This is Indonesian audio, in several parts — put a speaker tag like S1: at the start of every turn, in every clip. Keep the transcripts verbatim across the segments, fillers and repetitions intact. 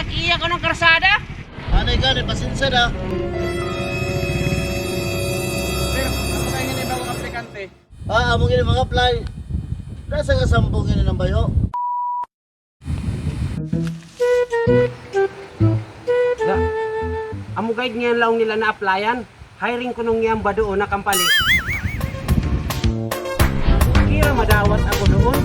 S1: tag-iya ko ng karsada.
S2: Anay gani, pasensya na.
S3: Sir, ako kayo nga na bagong aplikante.
S2: Ah, among ini mga apply. Nasa ka sampung ini ng bayo.
S4: Da, amo guide nga laong nila na applyan. Hiring ko nung ngiyang ba doon na kampali. Kira madawat ako doon.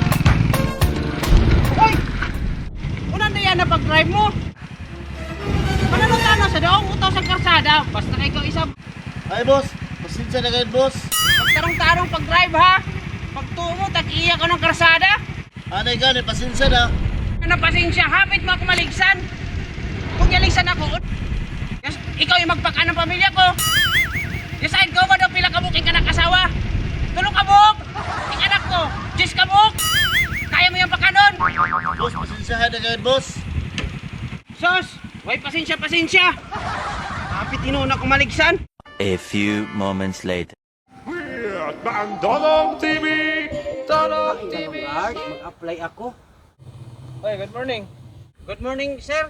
S1: Hoy! Unan na yan na pag-drive mo. Mananong ka na sa daong utaw sa karsada. Basta na ikaw isang
S2: Ay boss, pasensya na kayo boss.
S1: magtarong-tarong pag-drive ha. Pagtuo mo, tag-iya ko ng karsada.
S2: Anay gani, pasensya na.
S1: Ano pasensya, hapit mo ako maligsan. Kung yaligsan ako, yes, ikaw yung magpaka ng pamilya ko. Yes, side ko ba daw pila kabuk ka ng kasawa? Tulong kabuk! Ang anak ko, Jis kabuk! Kaya mo yung pakanon?
S2: Boss, pasensya na kayo boss.
S4: Sos, way pasensya pasensya. Hapit tinuon ako maligsan.
S5: A few moments later.
S6: Weird Bang Dolong T V! Dolong T V!
S4: Guard, mag-apply ako.
S3: Oy, good morning.
S4: Good morning, sir.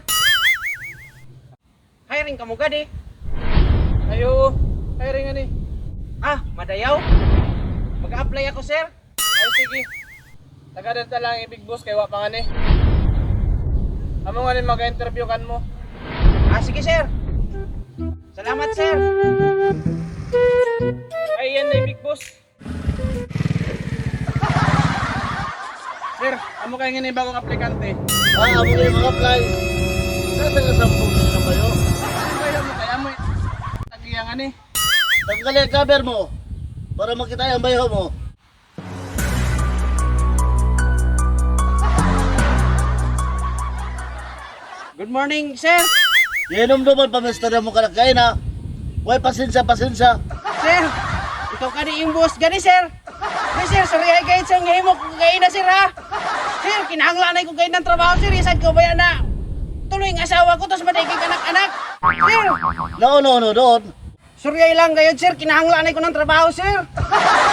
S4: Hiring ka mo gadi.
S3: Ayo, hiring nga ni.
S4: Ah, madayaw. Mag-apply ako, sir.
S3: Ay, sige. Tagadad ta lang i-big boss kay wa pa nga ni. Amo nga ni mag-interview kan mo.
S4: Ah, sige, sir. Salamat, sir.
S3: Ay, yan na big boss. Sir, amo kayo nga ni bagong aplikante.
S2: Ah, among ini mga apply. Nasa ka sampung ini ng bayo.
S3: Kayo mo kaya mo. Tagiya nga ni.
S2: Tanggalin ang cover mo. Para makita ang bayo mo.
S4: Good morning, sir.
S2: Inom naman pamesta na mo kalakain ha. Way pasensya, pasensya.
S4: Sir, ikaw ka ni yung boss gani, sir. Hey, sir, sorry ay kahit sa ngayon mo kung kain na, sir, ha. Sir, kinahanglanay ko kayo ng trabaho, sir. Isad ko ba yan na tuloy ang asawa ko, tapos matigig anak-anak. Sir,
S2: No, no, no, doon.
S4: sorry ay lang kayo, sir. Kinahanglanay ko ng trabaho, sir.